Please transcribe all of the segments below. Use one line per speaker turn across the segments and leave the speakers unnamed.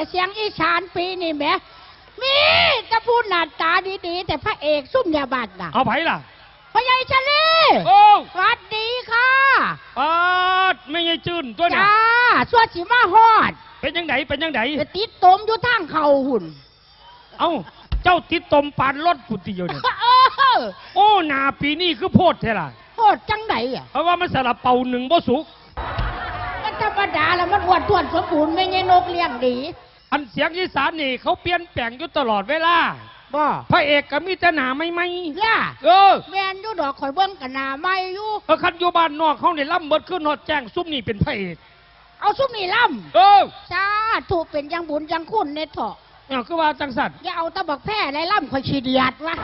แต่เสียงอีสานปีนี่แหมมีจะพูดหน้าตาดีๆแต่พระเอกซุ่มยาบัตรน่ะ
เอาไผล่ะ
พ่อใหญ่ชลี
โอ้
สวัสดีค่ะ
ไม่ใช่จืนตัวน่ะ
จ้าสวดสิมาฮอด
เป็นยังไงเป็นยังไง
ติดตมอยู่ทางเข่าหุ่น
เอ้าเจ้าติดตมปานรถกุฏิอยู่เนี่ยโอ้หนาปีนี้คือโพดแท้ล่ะ
โพดจังไหนอ่ะ
เพราะว่ามันสลับเป่าหนึ่งบ่สุก
มันธรรมดาแล้วมันอ้วนท้วนสมบูรณ์ไม่ใช่นกเลี้ยงดี
อันเสียงอีสานนี่เขาเปลี่ยนแปลงอยู่ตลอดเวลา
บ่
พระเอกก็มีแต่หนาไม่
ล่ะแมนอยู่ดอกข่อยเบิ้งกับหนาไม่อยู่
คันอยู่บ้านนอกเขาเนี่ยล่ำเบิดขึ้นนอดแจ้งซุ่มนี่เป็นพระเอก
เอาซุ่มนี่ล่ำจ้าถูกเป็นยังบุญยังคุณในเถาะ
เนี่ยคือว่าจังสัตว์
อย่าเอาตะบักแพร่ไรล่ำข่อยชีเดียดวะ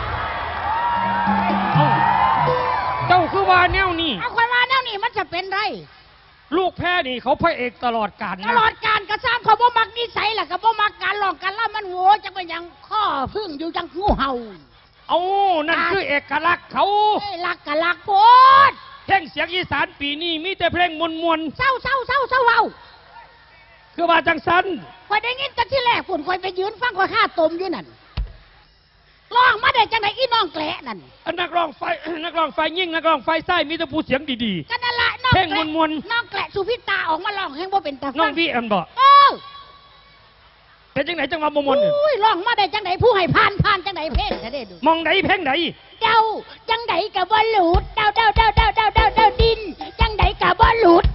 เจ้าคือว่าแนวนี่
เอาข่อยว่าแนวนี่มันจะเป็นไร
ลูกแพ้นี่เขาพระเอกตลอดกาล
ตลอดกาลกระซ้ำเขาบ่มักนิสัยแหละก็บ่มักการหลอกการล่ำมันโง่จังเป็นยังข้อพึ่งอยู่จังงูเห่า
เอานั่นคือเอกลักษณ์เขา
ลักกะลักโพด
เพลงเสียงอีสานปีนี้มีแต่เพลงมวล
เศร้า
คือว่าจังสัน
คอยได้ยินกันที่แรกฝุ่นคอยไปยืนฟังคอยฆ่าตมอยู่นั่นร้องมาได้จังไหนอีน้องแกละนั่น
นักร้องไฟยิ่งนักร้องไฟไส้มีแต่ผู้เสียงดี
ๆกันนั่นแหละน้อง
เพลงมวล
น้องแกละสุพิตาออกมาร้องแห่งบ่เป็นตาฟัง
น้องพี่บอกเป็นจังไหนจังหวะมวล
อุ้ยร้องมาได้จังไหนผู้ให้ผ่านจังไหนเพลงจะได้ดู
มองไหนเพลงไหน
เดาจังไหนกับบ่หลุดเดาดินจังไหนกับบ่หลุด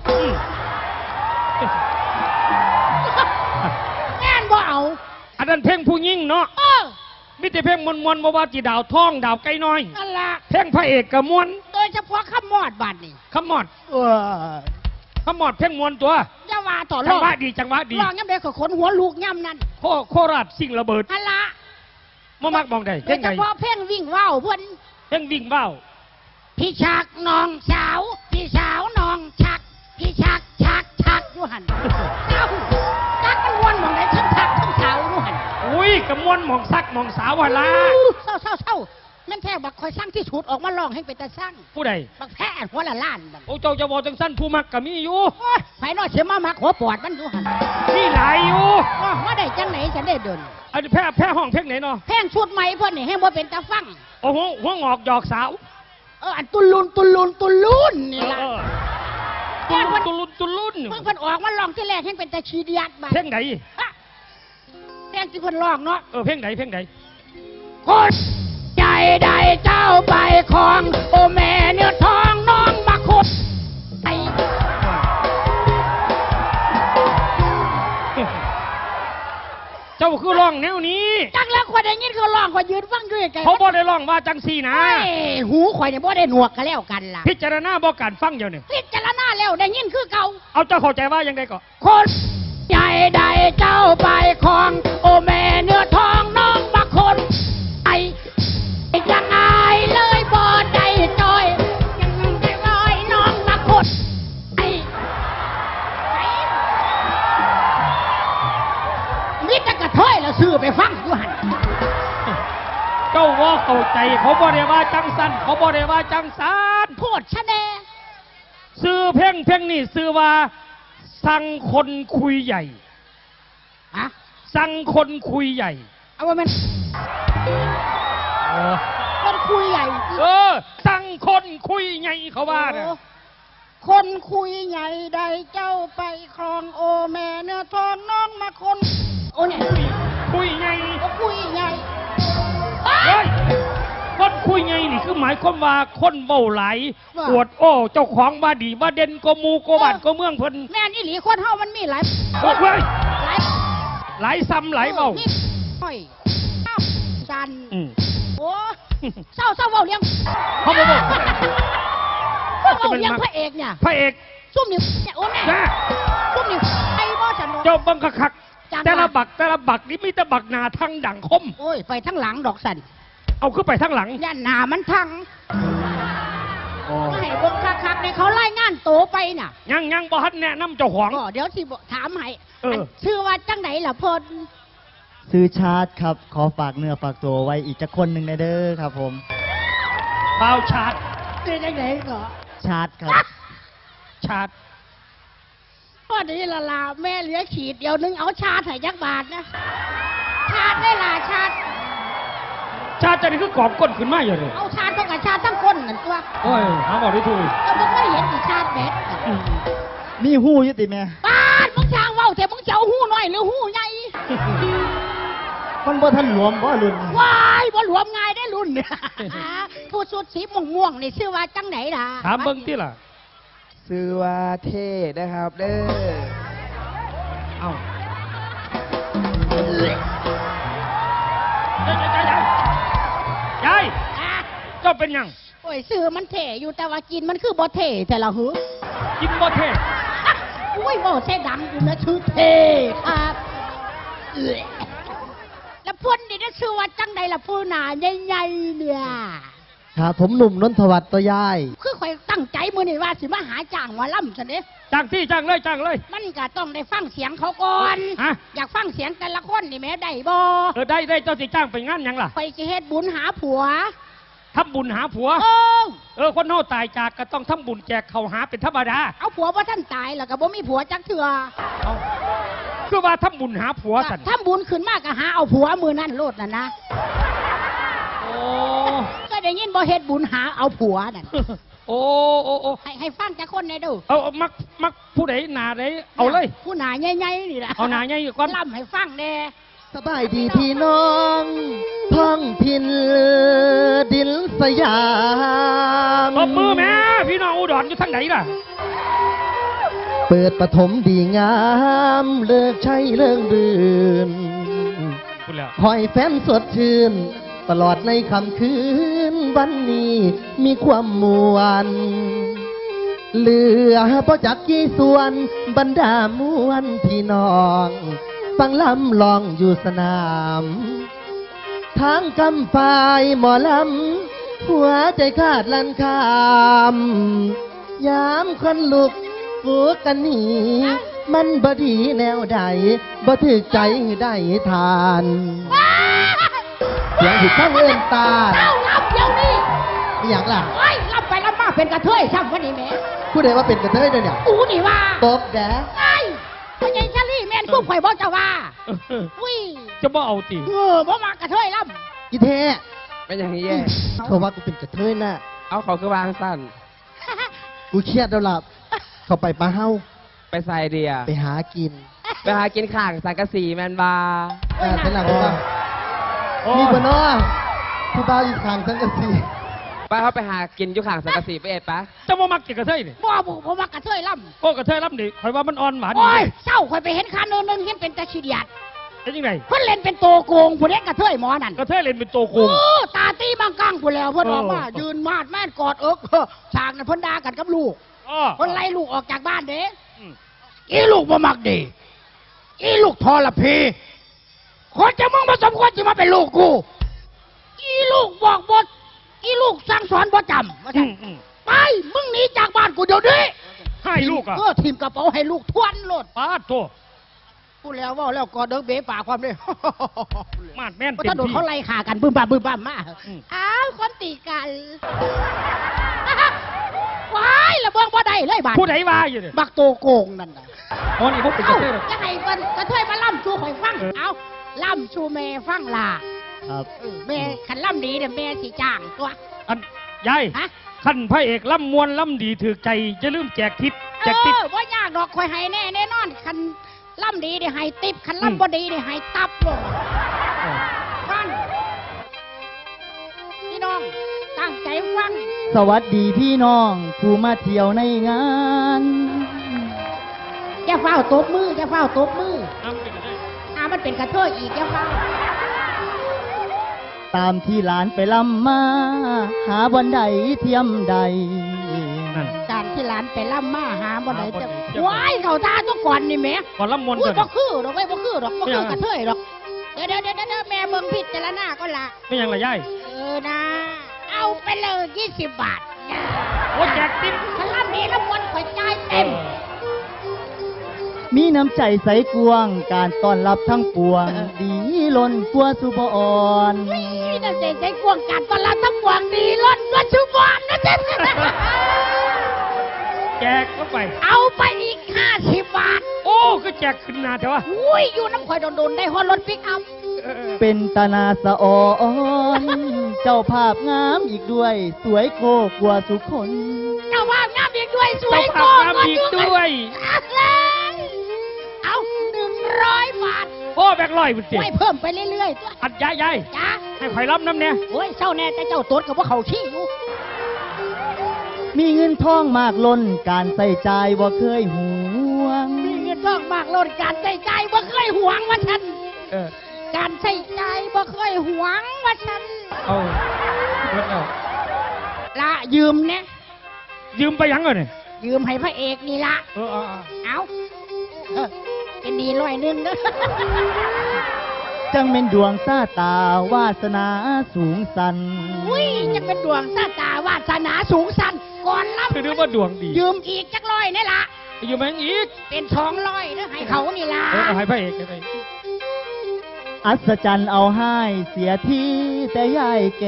งานบ่เอา
อันนั้นเพลงผู้ยิ่งเนาะมิแต่เพลงมวลว่าจีดาวท้องดาวไก่น้อย
นั่นละ
เพลงพระเอกกับมวล
โดยเฉพาะขมอดบัดนี่
ขมอดเพลงมวลตัว
จะว่าต่อ
จังหวะดี
ร้องย่ำเด็กขนหัวลูกย่ำนั่น
โคราชสิ่งระเบิด
นั่นละ
มักมองได้เพลงไหน
โดยเฉพาะเพลงวิ่งว่าวเพื่อน
เพลงวิ่งว่าว
พี่ชักน้องสาวพี่สาวน้องชักพี่ชักอยู่หันเจ้าชักมันวนมองได้ทั้งชักทั้งสาวอยู่หัน
อุ้ยกระมวลมองซักมองสาววันละ
เศร้านั่นแท้บักคอยสร้างที่สุดออกมาลองให้เป็นตาสร้าง
ผู้ใด
บักแพ้หัวละล้าน
โอ้เจ้าจะบอกจังสั้นผู้มักก็มีอยู่
ไฟนอเสียมามักหัวปอดมันอยู่หัน
มีหลายอยู่
มาได้จังไหนฉันได้เดิน
อันแพ้ห้องเพลงไหนเนาะ
เพลงชุดใหม่เพื่อนนี่ให้บ่เป็นตาฟัง
โอ้โหหัวงอกหยอกสาว
อันตุลุนนี่ล่ะ
ตุลุน
เพิ่นออกมาลองที่แรกให้เป็นตาชีเดียดบ้า
เพลงไหน
เพลงที่เพิ่นร้องเนาะ
เพลงไหน
คนใจใดเจ้าไปของโอแม่เนื้อทองน้องมาคุดไอ
เจ้าคือร้องแนวนี้
จังแล้วข่อยได้ยินเขาร้องข่อยยืนฟังด้วยกัน
เขาบ่ได้ร้องว่าจังซี่นะ
หูข่อยเนี่ยบ่ได้หนวกกันแล้วกันล่ะ
พิจารณาบ่การฟังเดี๋ยวนี้
พิจารณาแล้วได้ยินคือเก่า
เอาเจ้าเข้าใจว่ายังไงก็
คนใจใดเจ้าไปของโอแม่เนื้อทองน้องมาคนไอยังไงเลยบ่ได้จอยยังได้ลอยน้องมาคนไอมิตรกระถ้อยแล้วซื้อไปฟังอยู่หัน
เจ้าว่าเข้าใจเขาบ่ได้ว่าจังสันเขาบ่ได้ว่าจังสัน
โพดชะแน
ซื้อเพลงนี่ซื้อว่าสั่งคนคุยใหญ่สั่งคนคุยใหญ่
เอาว่ามันคนคุยใหญ่
สั่งคนคุยใหญ่เขาว่าน่ะ
คนคุยใหญ่ใดเจ้าไปครองโอแม่เนื้อทองน้องมาคนโอ้เนี่ย
คุยใหญ่
คุยใหญ่
คนคุยไงนี่คือหมายความว่าคนเบ้าไหลปวดโอ้เจ้าของว่าดีว่าเด่นก็มูก็บ้านก็เมืองเพิ่น
แม่นี่หลีคนเฮามันมีหลาย
หลายซ้ำหลายเบ้า
จันโอ้เศร้าเบ้าเลี้ยง
เขาบอก
เลี้ยงพระเอกเนี่ย
พระเอก
ซุ่มนี่โอ้แม่ซุ่มนี่ไอ้บ่ฉัน
เจ้าบังคักแต่ละบักนี่มีแต่บักหนาทั้งดังคม
โอ้ยไปทั้งหลังดอกสัน
เอาขึ้นไปทั้งหลัง
ย่านหนามันทั้งให้เบิ่งคักๆในเขาไล่งานโตไปน่ะ
ยังบ่ฮัดแนะนำเจ้าของ
เดี๋ยวสิถามให้ชื่อว่าจังไหนล่ะพล
ซื้อชาร์จครับขอฝากเนื้อฝากตัวไว้อีกจะคนหนึ่งในเด้อครับผม
เปล่าชาร์จ
เป็นจังไหนก็
ชาร์จครับ
ชาร์จ
ก็ดีละล่ะแม่เหลือขีดเดียวนึงเอาชาติให้ยักบาทนะชาติได้ล่ะชาติ
ชาติจะนี่คือกอบก้นขึ้นมาอยู่เลย
เอาชาติเท่ากับชาติทั้งคนนั่นตัว
โอ้ยหาบอกได้ถูก
ก็มึงไม่เห็นอีชาติแบด
มีหู้อยุติแม่
ป้านมึงช่างเว้าแต่มึงจะเอาหู้น้อยหรือหู้ใหญ่
มันบ่ทันหลวมบ่รุ่น
วายบ่หลวมง่ายได้รุ่นเนี่ยผู้สุดสีม่วงๆนี่ชื่อว่าจังไหนล่ะ
ถามเบิ้งที่ล่ะ
ซื้อว่าเท่นะครับเด้อ
เอ้าใหญ่
อ่ะ
เจ้าเป็นหยัง
โอ้ยซื้อมันเท่อยู่แต่ว่ากินมันคือบ่เท่แต่ละหือ
กินบ่เทศ
อ่ะอุ้ยบ่เท่ดังอยู่นะชื่อเท่ครับเอ้ยแล้วพ่นนี่นะชื่อว่าจังใดล่ะผู้หนาใหญ่ๆเนี่ย
ครับผมหนุ่มนนทวัฒน์ตัวยาย
คือข่อยตั้งใจมื้อนี้ว่าสิมาหาจ้างหมอลำซั่นเด้
จ้างที่จ้างเลยจ้างเลย
มันก็ต้องได้ฟังเสียงเขาก่อน
ฮะ
อยากฟังเสียงแต่ละคนนี่แหม่ได้บ่
ได้เจ้าสิจ้างไปงานหยังล่ะ
ไปสิเฮ็ดบุญหาผัว
ทำบุญหาผัว
โอ้
คนเฮาตายจากก็ต้องทำบุญแจกเขาวหาเป็นธรรมดา
เอาผัวบ่ท่านตายแล้วก็บ่มีผัวจักเทื่อ
เอาคือว่าทำบุญหาผัวสัน
ทำบุญขึ้นมาก็หาเอาผัวมือนั่นโลดน่ะนะ
โอ้
ก็ได้ยินบ่เฮ็ดบุญหาเอาผัวนั่น
โอ้โอ้
ให้ฟังจักคนได้ดู
เอามักผู้ใดหนาใดเอาเลย
ผู้หนาใหญ่ๆนี่ล่ะ
เอาหนาใหญ่ก่อน
ล่ำให้ฟังแน่
สบายดีพี่น้องท้องพินดินสยาม
ตบมือแม่พี่น้องอุดรอยู่ทางไหนล่ะ
เปิดปฐมดีงาม เลิกใช้เรื่องดื่น
คุณแล้ว
คอยแฟนสดชื่น ตลอดในค่ำคืน วันนี้มีความมวลเหลือพอจักกี่ส่วนบรรดามวลพี่น้อง ฟังลำลองอยู่สนามทางกำฝ่ายหมอลำหัวใจขาดลันคามยามคนลุกฟูกันหนีมันบดีแนวใดบ่ถึกใจได้ทานเสียงผิดข้างเอื้อนตา
เจ้าล่ำเดี๋ยวนี้
ไม่อยากล่ะ
โอ้ยล่ำไปล่ำมาเป็นกระเทยซ้ำวันนี้แหม่
ผู้ใดว่าเป็นกระเทยเด้อเนี่ย
กูนี่ว่า
ตบแดะ
ไอ้พ่อใหญ่ชาลี่แม่นคู่ข่อยบ่เจ้าว่าอุ้ย
จะบ่เอาตี
บ่มากระเทยล่
อีเท
เป็นอย่างนี้แย่
เขาว่ากูเป็นกระเทยน่ะ
เอาเขาคือวางสั้น
กูเครียดแล้วล่ะเขาไปปลาเฮ้า
ไปใส่เดีย
ไปหากิน
ไปหากินข่างสังกะสีแมนบา
เป็นหลังว่า
โอ้
มีคนน้อผู้บ้าอีกทางสังกะสี
ไปเขาไปหากินอยู่ข่างสังกะสีไปเอ็ดปะ
จะบ่มักกินกระเทยนี่
ำบ่มากระเทยล่
โอ้กระเทยรับนี่ข่อยว่ามันอ่อนหวาน
ำโอ้ยเศร้าข่อยไปเห็นคาโนนึงเห็นเป็นตะขี้เดียด
เป็นยังไง
เพิ่นเล่นเป็นโตโกงผู้เด็กกระเทยหมอนั่น
กระเทยเล่นเป็นตัวโกง
โอ้ตาตีบางกังผู้แล้วเพิ่นออกมา
เออ
ยืนมาดแม่นกอดเอิกฉากนั้นเพิ่นด่ากันกับลูก
อ้อ
เพิ่นไล่ลูกออกจากบ้านเด้
อืม
อีลูกบ่มักดีอีลูกทรพีคนจะมึงมาสมควรจะมาเป็นลูกกูอีลูกบอกบทอีลูกสั่งสอนบ่จำว่าซั่น ไปมึงหนีจากบ้านกูเดี๋ยวนี้
ให้ลูกอ่ะ
ทีมกระเป๋าให้ลูกทวนโลด
ป้าดโต
พูดแล้วว่าแล้วกอดเดิกเบ๋ปากความเลย
มาดแม่น
เพราะ
เต็ม
ถ้าโดน
ที่
เขาไล่ขากันบึ้มบ้ามบึ้มบ้ามมา
อืม
อ้าวคนตีกัน ว้ายระเบิงบ่ได้เลยบาด
ผู้ใดว่าอยู่เนี่ย
บักโตโกงนั่นน่ะ
อ๋อนี่พวกเป็นกระ
เอ้า
เทยเหรอ
จะให้มันกระเทยมาล่ำชูข่อยฟัง เอาล่ำชูแม่ฟังล่ะ
ครับ
แม่ขันล่ำดีเดี๋ยวแม่สิจ้างตัว
อันยาย
ฮะ
ขั้นพระเอกล่ำมวนล่ำดีถือใจจะลืมแจกทิปแจกทิป
ว่ายากดอกข่อยให้แน่นอนคันล่ำดีเดี๋ยวให้ติบคัน
อืม
ล่ำบ่ดีเดี๋ยวให้ตับลง ฟังพี่น้องตั้งใจฟัง
สวัสดีพี่น้องผู้มาเที่ยวในงาน
อย่าเฝ้าตบมืออย่าเฝ้าตบมือ
อ้าวเป็นกระเทย
มันเป็นกระเทยอีกอย่าเฝ้า
ตามที่หลานไปลำมา หาวันใดเทียมใด
นั่น
การที่หลานไปล่ำมาหาบ่ได้
หาบ่
จะ
ได้เจ้า
ว้ายเขาท่าทุกก่อนนี่แหม่
ก่อนล่ำมวน
อุ้
เถ
ย
อะ
บ่คือดอกเว้ยบ่คือดอกบ่
ไม่
คื
เอา
อกระเทยดอกเดี๋ยวแม่เบิ่งพิจารณาก็ละ
ไม่ยังละยาย
นะ เอาไปเลย20 บาทนะ
โอ้แจกทิป
ถ้าล่ำดีแล้วมวนข่อยจ่ายเต็ม
มีน้ำใจใสกวง การต้อนรับทั้งปวง ดีล้นกลัวสุบอ่อน
นี่น่ะเจ๊ใช้กวงการตอนรับทั้งปวงดีล้นกว่าชุบอนนะเจ๊
แจกเข้าไป
เอาไปอีก 50 บาท
โอ้ก็แจกขึ้นหนาแต่ว่า
อุ้ยอยู่น้ำข่อยโดนๆได้ฮอดรถปิกอัพ
เป็นตานาสะออน เจ้าภาพงามอีกด้วย สวยโกกว่าสุคน
เจ้าภาพงามอีกด้วยสวย
เจ้าภาพงามอีกด้วย
เอา100 บาท
โอ้แบกลอยมันเสีย
ไว้เพิ่มไปเรื่อยๆตัว
อัดยาย
จ้า
ให้ข่อยรับน้ำเนี่ย
โอ้ยเศร้าแน่แต่เจ้าตดกับว่าเขาขี้อยู่
มีเงินทองมากล้นการใส่ใจายบ่เคยหวง
มีเงินทองมากล้นการใส่ใจบ่เคยหวงว่าฉัน
เออ
การใส่ใจบ่เคยหวงว่าฉัน
เอาเบิดแล้ว
ละยืมเนี่ย
ยืมไปยังเลยเนี่ย
ยืมให้พระเอกนี่ละ
เออ
เอาเป็นดี100เด้อ
จังเป็นดวงซาตาวาสนาสูงสัน
อุ้ยจะเป็นดวงสาตาวาสนาสูงสันก่อนรับ
คือนึกว่าดวงดี
ยืมอีกจัก100นี่ละ
ยืมแมงอีก
เป็น200เด้อให้เขานี่ละ
เออเอาให้พระเอกให้พระเอก
อัศจรรย์เอาให้เสียที่แต่ยายแก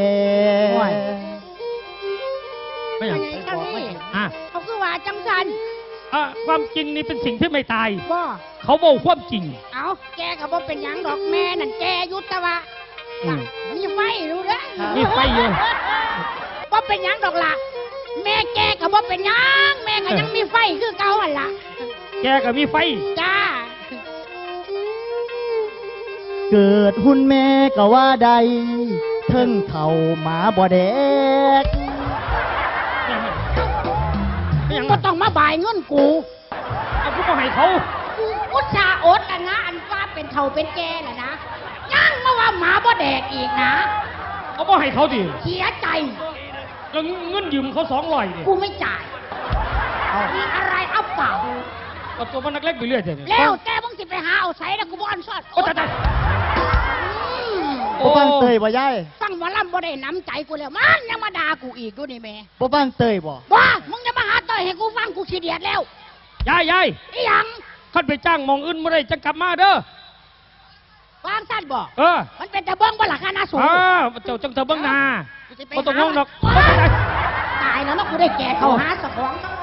ไม่อยาก
ไงเจ้านี่
อ่ะ
เขาคือว่าจังสัน
ความจริงนี่เป็นสิ่งที่ไม่ตาย
บ่
เขาบอกความจริง
เอาแกก็บ่เป็นหยังดอกแม่นั่นแกอยุตวะ
อืม
มีไฟรู้เด้อ
มีไฟอยู่
บ่เป็นหยังดอกล่ะ แม่แกก็บ่เป็นหยังแม่ก็ยังมีไฟคือเก่าหั่นล่ะ
แกก็มีไฟ
จ้า
เกิดหุ่นแม่ก็ว่าใดเทิงเข่าหมาบ่แดก
ไม่ยัง
ก็ต้องมาบ่ายเงินกู
เอากูมาให้เขา
กูอุตส่าห์อดแล้วนะอันว่าเป็นเฒ่าเป็นแก่น่ะนะยังมาว่าหมาบ่แดกอีกนะ
เอามาให้เขาดิ
เสียใจ
แล้วเงินยืมเขา200ดิ
กูไม่จ่าย มีอะไรเอาเปล่า
เอาตัวมันนักเล็กไปเรื่อยเถอะ
แล้วแต่มึงสิไปหาเอาใส่แล้วกูบ่อันซอด
โอ้ตายตาย
บ่ฟังเตยบ่ยาย
ฟังหมอลำบ่ได้น้ำใจกูแล้วมันยังมาด่ากูอีกดูนี่แม่
บ่ฟังเตยบ่
ว่ามึงจะมาหาต่อยให้กูฟังกูขี้เดียดแล้ว
ยาย
อีหยัง
ขันไปจ้างหมองอื่นไม่ได้จะกลับมาเด้อ
วางสั้นบ่
เออ
มันเป็นตะเบิ้งบ่หลักคณะสูง
เจ้าจังเธอเบิ้งหนา
กูสิไป
บ่ต้องห่วงดอก
ตายแล้วเนาะกูได้แก่เขาหาสะของ